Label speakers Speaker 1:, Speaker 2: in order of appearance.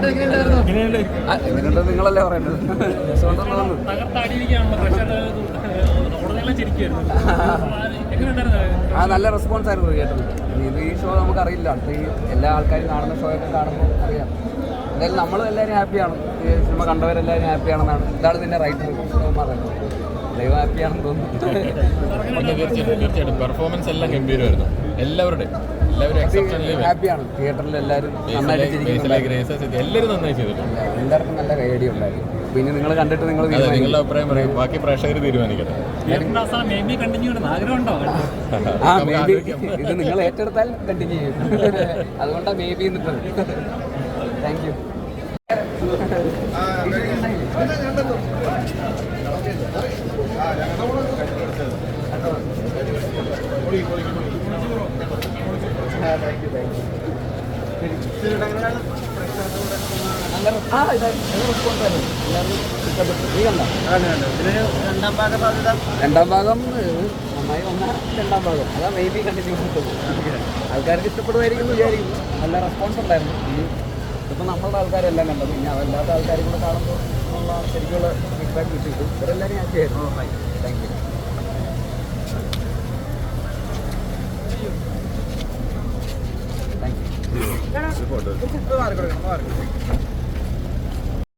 Speaker 1: എങ്ങനെയുണ്ട് നിങ്ങളല്ലേ പറയേണ്ടത്. നല്ല റെസ്പോൺസ് ആയിരുന്നു തിയേറ്ററിൽ. ഈ ഷോ നമുക്കറിയില്ല, അടുത്ത ഈ എല്ലാ ആൾക്കാരും കാണുന്ന ഷോ ഒക്കെ കാണുമ്പോൾ അറിയാം. എന്തായാലും നമ്മളും എല്ലാവരും ഹാപ്പിയാണ്, ഈ സിനിമ കണ്ടവരെല്ലാവരും ഹാപ്പിയാണെന്നാണ് ഇതാണ് ഇതിൻ്റെ റൈറ്റർ പറയുന്നത്. ദൈവം ഹാപ്പിയാണെന്ന് തോന്നുന്നു.
Speaker 2: തീർച്ചയായിട്ടും പെർഫോമൻസ് എല്ലാം ഗംഭീരമായിരുന്നു. എല്ലാവരും
Speaker 1: ഹാപ്പിയാണ്. തിയേറ്ററിൽ എല്ലാവരും നന്നായിട്ട്
Speaker 2: എല്ലാവരും നന്നായി ചെയ്തിട്ടുണ്ട്.
Speaker 1: എല്ലാവർക്കും നല്ല റേഡിയോ ഉണ്ടായിരുന്നു. പിന്നെ നിങ്ങൾ കണ്ടിട്ട്
Speaker 2: നിങ്ങളുടെ അഭിപ്രായം പറയും, ബാക്കി പ്രേക്ഷകർ തീരുമാനിക്കട്ടെ.
Speaker 1: ഇത് നിങ്ങൾ ഏറ്റെടുത്താൽ കണ്ടിന്യൂ ചെയ്യും. അതുകൊണ്ടാണ് മേ ബി എന്നിട്ട്. Thank you. രണ്ടാം ഭാഗം നന്നായി വന്ന രണ്ടാം ഭാഗം അതാ മേ ബി കണ്ടിന്യൂ കിട്ടും. ആൾക്കാർക്ക് ഇഷ്ടപ്പെടുമായിരിക്കും എന്ന് വിചാരിക്കുന്നു. നല്ല റെസ്പോൺസ് ഉണ്ടായിരുന്നു. ഇപ്പം നമ്മളുടെ ആൾക്കാരെല്ലാം കണ്ടത്, ഇനി അതല്ലാത്ത ആൾക്കാരും കൂടെ കാണുമ്പോൾ ഉള്ള ശരിക്കുള്ള ഫീഡ്ബാക്ക് കിട്ടിയിട്ടു. ഇവരെല്ലാവരും ഹാപ്പി ആയിരുന്നു. Thank you. Thank U.